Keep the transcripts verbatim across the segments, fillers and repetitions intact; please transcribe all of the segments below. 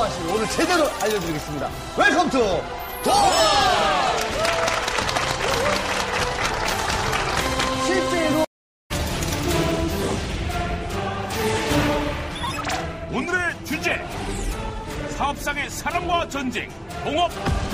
맛을 오늘 제대로 알려드리겠습니다. 웰컴 투 동업! 실제로 오늘의 주제 사업상의 사람과 전쟁 동업.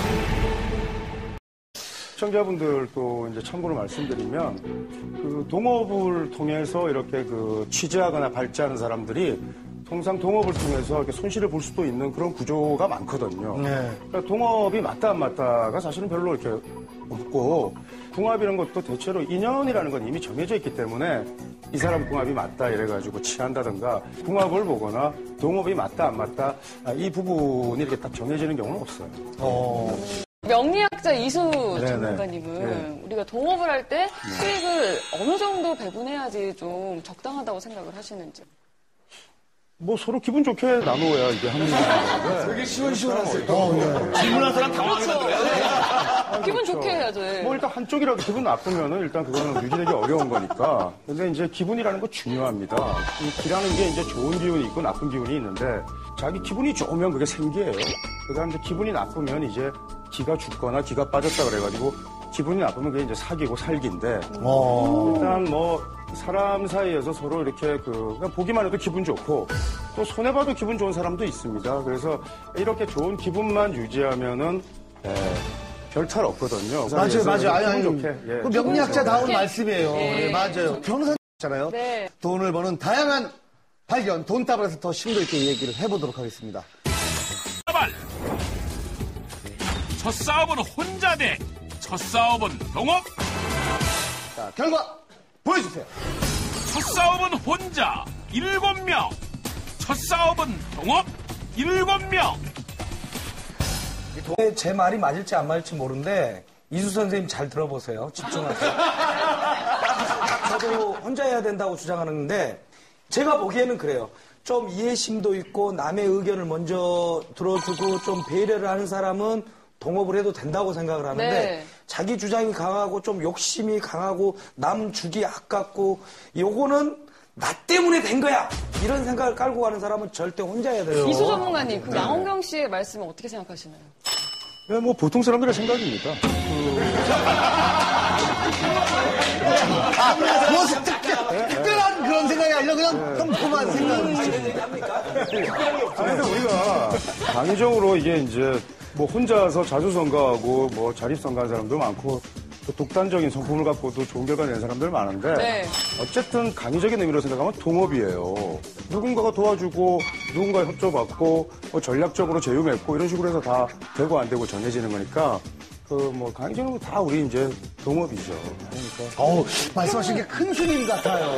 시청자분들도 이제 참고로 말씀드리면 그 동업을 통해서 이렇게 그 취재하거나 발제하는 사람들이 통상 동업을 통해서 이렇게 손실을 볼 수도 있는 그런 구조가 많거든요. 네. 그러니까 동업이 맞다 안 맞다가 사실은 별로 이렇게 없고 궁합이라는 것도 대체로 인연이라는 건 이미 정해져 있기 때문에 이 사람 궁합이 맞다 이래가지고 취한다든가 궁합을 보거나 동업이 맞다 안 맞다 이 부분이 이렇게 딱 정해지는 경우는 없어요. 어. 명리학자 이수 전문가님은 네. 우리가 동업을 할 때 네. 수익을 어느 정도 배분해야지 좀 적당하다고 생각을 하시는지. 뭐 서로 기분 좋게 나누어야 이게 하는 거예요. 되게 시원시원하세요. 어, 네. 질문한 사람 당황하게 만들어요. 그렇죠. 기분 좋게 해야죠. 뭐 일단 한쪽이라도 기분 나쁘면은 일단 그거는 유지되기 어려운 거니까. 근데 이제 기분이라는 거 중요합니다. 이 기라는 게 이제 좋은 기운이 있고 나쁜 기운이 있는데 자기 기분이 좋으면 그게 생기예요. 그다음 이제 기분이 나쁘면 이제 기가 죽거나 기가 빠졌다 그래가지고 기분이 나쁘면 그게 이제 사기고 살기인데 오. 일단 뭐 사람 사이에서 서로 이렇게 그 그냥 보기만 해도 기분 좋고 또 손해봐도 기분 좋은 사람도 있습니다. 그래서 이렇게 좋은 기분만 유지하면은 별 탈 없거든요. 맞아요, 맞아요. 아니, 아니, 좋게. 예. 그 명리학자다운 좋게. 말씀이에요. 네. 네, 맞아요. 변호사잖아요. 네. 돈을 버는 다양한 발견, 돈다발에서 더 심도 있게 얘기를 해보도록 하겠습니다. 다발. 첫 싸움은 혼자 대 첫 싸움은 동업. 자, 결과 보여주세요. 첫 싸움은 혼자 일곱 명. 첫 싸움은 동업 일곱 명. 제 말이 맞을지 안 맞을지 모르는데 이수 선생님 잘 들어보세요. 집중하세요. 저도 혼자 해야 된다고 주장하는데 제가 보기에는 그래요. 좀 이해심도 있고 남의 의견을 먼저 들어주고 좀 배려를 하는 사람은 동업을 해도 된다고 생각을 하는데 네. 자기 주장이 강하고 좀 욕심이 강하고 남 주기 아깝고 요거는 나 때문에 된 거야 이런 생각을 깔고 가는 사람은 절대 혼자 해야 돼요. 이수 전문가님, 그 양홍경 씨의 말씀은 어떻게 생각하시나요? 네, 뭐 보통 사람들의 생각입니다. 아, 뭐 특별, 특별한 그런 생각이 아니라 그냥 평범한 생각이죠. 그래서 우리가 강의적으로 이게 이제 뭐 혼자서 자주 선거하고 뭐 자립 선거하는 사람도 많고 또 독단적인 성품을 갖고도 좋은 결과 내는 사람들 많은데 네. 어쨌든 강의적인 의미로 생각하면 동업이에요. 누군가가 도와주고 누군가 협조받고 뭐 전략적으로 제휴 맺고 이런 식으로 해서 다 되고 안 되고 정해지는 거니까 그 뭐 강의적으로 다 우리 이제 동업이죠. 그러니까 어우, 말씀하신 게 큰 스님 같아요.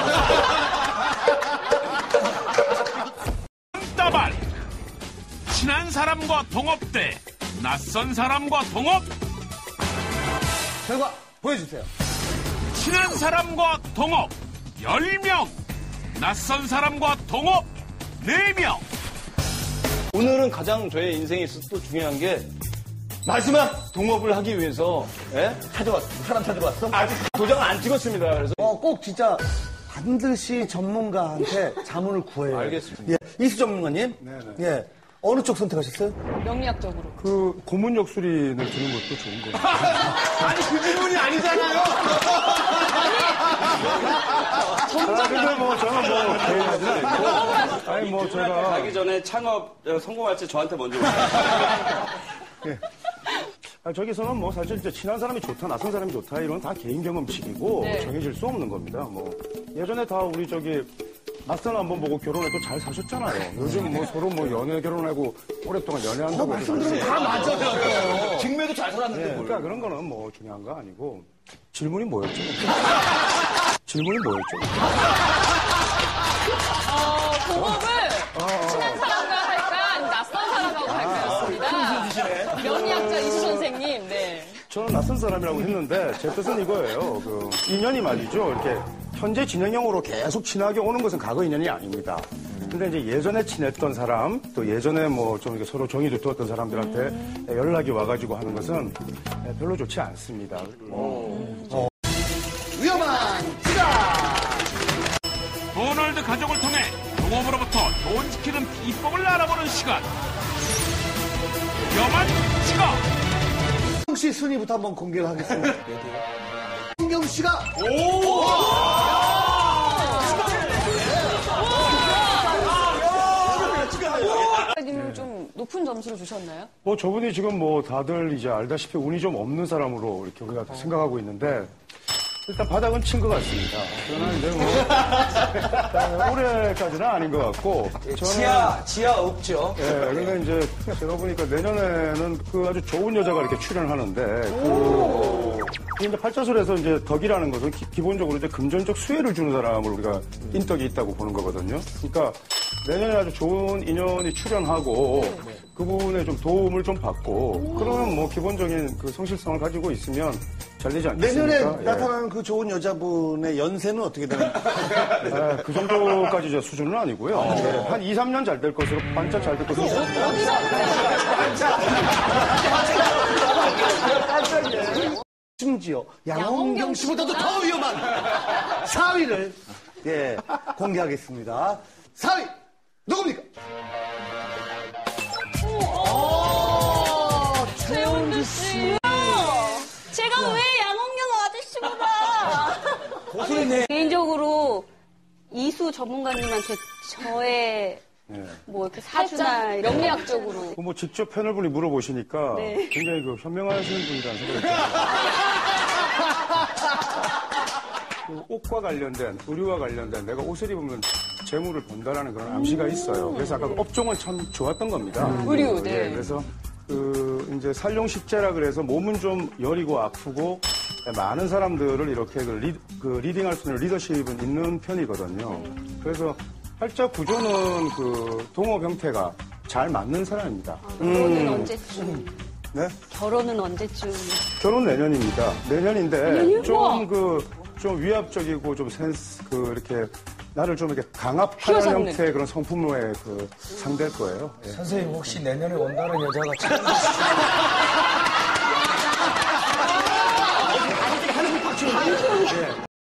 따발. 친한 사람과 동업 대 낯선 사람과 동업. 결과 보여주세요. 친한 사람과 동업 열 명. 낯선 사람과 동업 네 명. 오늘은 가장 저의 인생에 있어서 또 중요한 게 마지막 동업을 하기 위해서 예? 찾아왔어. 사람 찾으러 왔어? 아직 도장을 안 찍었습니다. 그래서 어, 꼭 진짜 반드시 전문가한테 자문을 구해요. 알겠습니다. 예, 이수 전문가님. 네네. 예. 어느 쪽 선택하셨어요? 명리학적으로. 그 고문 역술인을 주는 것도 좋은 거예요. 아니 그 질문이 아니잖아요. 아, 근데 뭐 저는 뭐 개인하지 않고 아니 뭐 제가 가기 전에 창업 성공할지 저한테 먼저 오세요. 예. 아, 저기서는 뭐 사실 이제 친한 사람이 좋다, 낯선 사람이 좋다 이런 다 개인 경험칙이고 네. 정해질 수 없는 겁니다. 뭐 예전에 다 우리 저기 낯선 한번 보고 결혼해도 잘 사셨잖아요. 요즘 뭐 서로 뭐 연애 결혼하고 오랫동안 연애한다고 말씀드리면 다 맞아요. 직매도 잘 살았는데 예, 뭘. 그러니까 그런 거는 뭐 중요한 거 아니고 질문이 뭐였죠? 질문이 뭐였죠? 어, 동업을 친한 사람과 할까, 아니면 낯선 사람하고 할까였습니다. 명리학자 이수 선생님, 네. 저는 낯선 사람이라고 했는데 제 뜻은 이거예요. 그 인연이 말이죠. 이렇게 현재 진행형으로 계속 친하게 오는 것은 과거 인연이 아닙니다. 근데 이제 예전에 친했던 사람, 또 예전에 뭐 좀 이렇게 서로 정이 두었던 사람들한테 음. 연락이 와가지고 하는 것은 별로 좋지 않습니다. 어. 어. 위험한 시간! 도널드 가족을 통해 동업으로부터 돈 지키는 비법을 알아보는 시간. 위험한 지각. 혹시 순위부터 한번 공개를 하겠습니다. 신경 씨가 님은 좀 높은 점수를 주셨나요? 뭐 저분이 지금 뭐 다들 이제 알다시피 운이 좀 없는 사람으로 이렇게 우리가 생각하고 있는데 일단 바닥은 친 것 같습니다. 저는 이제 뭐 올해까지는 아닌 것 같고 저는 지하, 지하 없죠. 예, 그러니까 이제 제가 보니까 내년에는 그 아주 좋은 여자가 이렇게 출연하는데 그 이제 팔자술에서 이제 덕이라는 것은 기, 본적으로 이제 금전적 수혜를 주는 사람을 우리가 인덕이 있다고 보는 거거든요. 그러니까 내년에 아주 좋은 인연이 출연하고 그분의 좀 도움을 좀 받고 그러면 뭐 기본적인 그 성실성을 가지고 있으면 잘 되지 않겠습니까? 내년에 예. 나타나는 그 좋은 여자분의 연세는 어떻게 되나요? 예, 그 정도까지 저 수준은 아니고요. 예, 한 이, 삼 년 잘 될 것으로 반짝 잘 될 것으로 심지어 양홍경 씨보다도 더 위험한 사 위를 예, 공개하겠습니다. 사 위 누굽니까? 최원주 씨. 제가 왜 양홍경 아저씨보다 고소리네. 개인적으로 이수 전문가님한테 저의 뭐 이렇게 사주나 이런 명리학적으로. 뭐 직접 패널분이 물어보시니까 네. 굉장히 그 현명하시는 분이라는 생각이 들어요. 그 옷과 관련된, 의류와 관련된 내가 옷을 입으면 재물을 번다라는 그런 암시가 있어요. 그래서 아까 그 업종은 참 좋았던 겁니다. 의류, 네. 예, 그래서 그 이제 살용식재라 그래서 몸은 좀 여리고 아프고 많은 사람들을 이렇게 그, 리, 그 리딩할 수 있는 리더십은 있는 편이거든요. 그래서 팔자 구조는 그 동업 형태가 잘 맞는 사람입니다. 결혼은 언제쯤? 네? 결혼은 언제쯤? 결혼 내년입니다. 내년인데 좀 그 좀 위압적이고 좀 센스 그 이렇게 나를 좀 이렇게 강압하는 휘어잡는. 형태의 그런 성품의 그 상대일 거예요. 예. 선생님 혹시 내년에 온다는 여자가 참